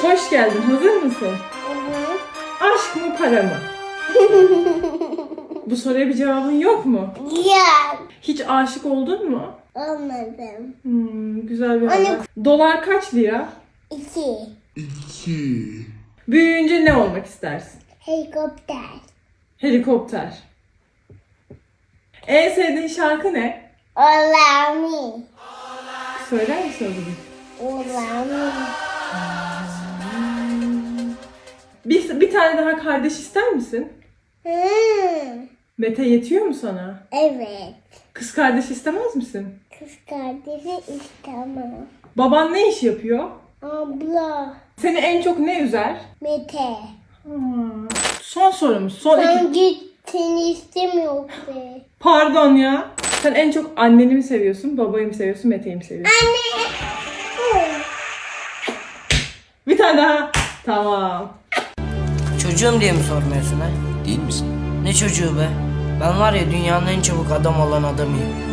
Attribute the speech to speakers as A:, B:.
A: Hoş geldin. Hazır mısın?
B: Evet.
A: Aşk mı para mı? Bu soruya bir cevabın yok mu?
B: Ya.
A: Hiç aşık oldun mu?
B: Olmadım.
A: Güzel bir haber. Dolar kaç lira?
B: 2.
A: Büyüyünce ne olmak istersin?
B: Helikopter.
A: Helikopter. En sevdiğin şarkı ne?
B: Olami.
A: Söyler misin o zaman?
B: Olami.
A: Bir tane daha kardeş ister misin? Mete yetiyor mu sana?
B: Evet.
A: Kız kardeş istemez misin?
B: Kız kardeşi istemem.
A: Baban ne iş yapıyor?
B: Abla.
A: Seni en çok ne üzer?
B: Mete.
A: Son sorumuz. Son iki.
B: Sen git, seni istemiyor be.
A: Pardon ya. Sen en çok anneni mi seviyorsun, babayı mı seviyorsun, Mete'yi mi seviyorsun?
B: Anne.
A: Bir tane daha. Tamam.
C: Çocuğum diye mi sormuyorsun ha?
D: Değil misin?
C: Ne çocuğu be? Ben var ya dünyanın en çabuk adam olan adamıyım.